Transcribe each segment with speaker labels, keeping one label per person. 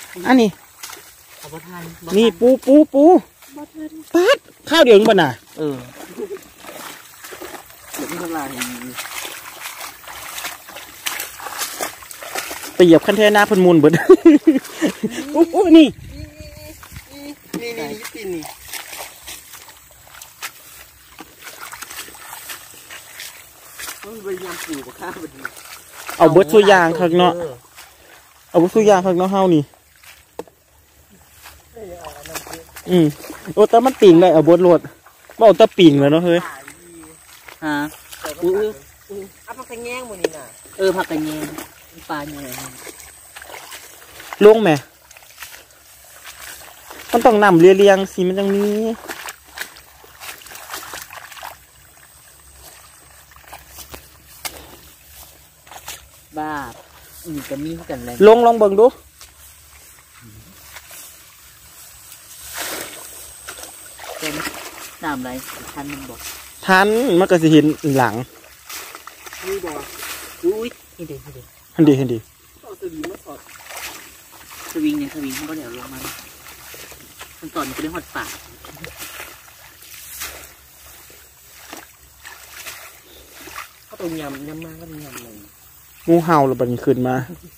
Speaker 1: อันนี้
Speaker 2: เอาบ่ทัน
Speaker 1: นี่ปูปัดข้าวเดียวมึงบ่น่ะ
Speaker 2: เดี๋ยวไม่เท่าไหร่
Speaker 1: ไปเหยียบคันเทน่าพันมูลเบิดอู้นี่ตีนนี่
Speaker 2: ต้องไปยำปูกับข้าวไปดี
Speaker 1: เอาเบิดสุยางข้างเนาะเอาเบิดสุยางข้างเนาะเฮานี่โอ้แต่มันปิ่งได้เอาเบิดโลดบ่เอาแต่ปิ่งเลยเนาะเฮ้ย
Speaker 2: ฮะเอาผักกระแยงหมดนี่น่ะผักกระแยงปลาแยง
Speaker 1: ลงไหมมันต้องนำเรียงสิมันจังนี้
Speaker 2: บ้าจะมีกันเลย
Speaker 1: ลองเบิ่งดู
Speaker 2: เป็นน้ำอะไรทันมันบอก
Speaker 1: ทันมันก็สิเห็นหลัง
Speaker 2: นี่บอกอุ้ยนี่เด็ก
Speaker 1: ฮันดี
Speaker 2: เอาสวิงมาสอดสวิงเนี่ยสวิงเขาก็เดี๋ยวลงมามันตอนก็ได้หดปากเขาตรงยำมากก็มียำเลย
Speaker 1: งูเห่าหรือบันขึ้นมา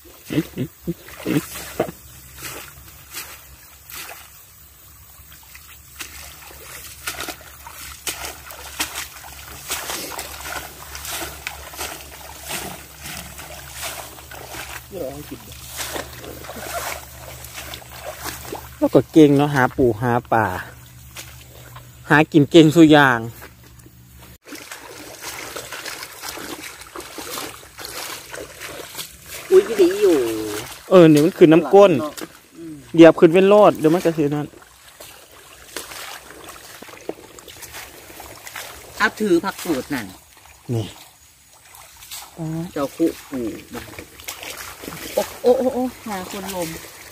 Speaker 1: แล้วก็เก่งเนาะหาปูหาป่าหากินเก่งสุยาง
Speaker 2: อุ้ยดีอยู่
Speaker 1: เดี๋ยวมันขึ้นน้ำก้นเดี๋ยวขึ้นเป็นโลดเดี๋ยวมันจะเสียนั่น
Speaker 2: ถ้าถือผักกูดนั่น
Speaker 1: นี่
Speaker 2: เจ้าคู่ปูโอ้หาคนลม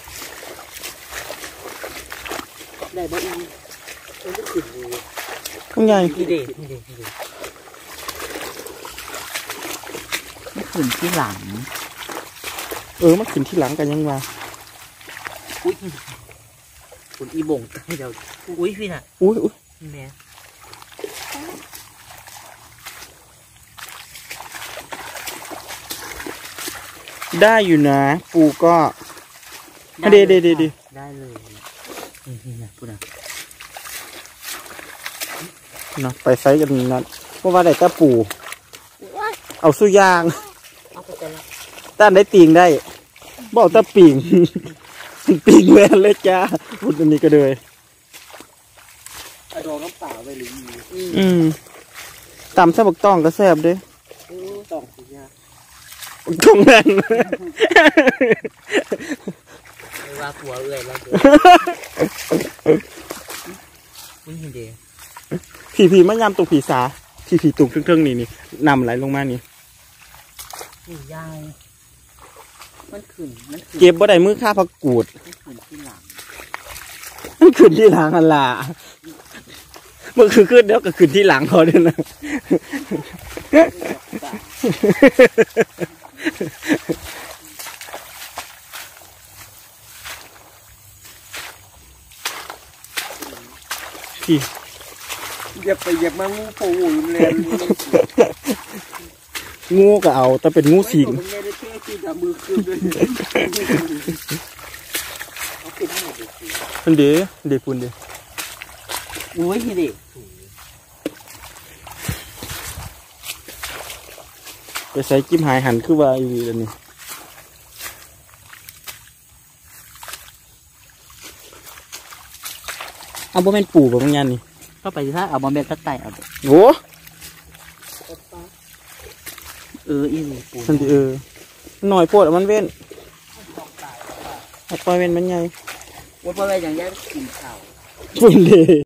Speaker 2: ได้บ่อีมันก็ขึ้นเลย
Speaker 1: ข้างใหญ่
Speaker 2: นี่เด็กไม่ขึ้นที่หลัง
Speaker 1: มันขึ้นที่หลังกันยังวะ
Speaker 2: อุ้ยคุณอีบ่งให้เดี๋ยวอุ้ยพี่น่ะ
Speaker 1: อุ้ย
Speaker 2: แม่
Speaker 1: ได้อยู่นะปูก็เด็ด
Speaker 2: ได้เลยนี่นะพูดนะ
Speaker 1: เนาะไปไซส์กันนั้นเพราะว่าได้แต่ปูเอาสุยางต้านได้ตีงได้บอกตะปิ่งปิ่งแวนเลยจ้าพูดอันนี้ก็เลย
Speaker 2: โดนน้ำเปล่าไปหรือ
Speaker 1: ตำแซ่บต้องก็แซ่บด้วย
Speaker 2: ต้องสุยาง
Speaker 1: ตรงนั้น
Speaker 2: ว่าผัวว่ามึงเห็นดี
Speaker 1: ผีมันยำตรงผีสาผีตุ่มเครื่องนี่นำไหลลงมานี่
Speaker 2: ยายมันขึ้น
Speaker 1: เก็บบ่ได้มือค่าผักกูด
Speaker 2: มันขึ้นที่หลัง
Speaker 1: อันล่ะมันคือขึ้นแล้วก็ขึ้นที่หลังเขาด้วยนะ
Speaker 2: อย่าไปเหยียบมางูโผล่เลย
Speaker 1: งูก็เอาแต่เป็นงูสิงมันเดี๋ยวคุณเดี๋ยว
Speaker 2: อุ้ยเด็ก
Speaker 1: ไปใส่จิ้มหายหันคือว่าอยู่ดีแล้วนี่เอาบ่แม่นปูบ่มันยันนี่
Speaker 2: ก็ไปถ้าเอาบอมเบลตัดไตเอา
Speaker 1: โอ้
Speaker 2: อีนี่ปู
Speaker 1: มันหน่อยโพดมันเว้นปล่อยเว้นมันใหญ่
Speaker 2: ว่าปล่อยอย่างนี้กินข้าว
Speaker 1: ฝุ่นเลย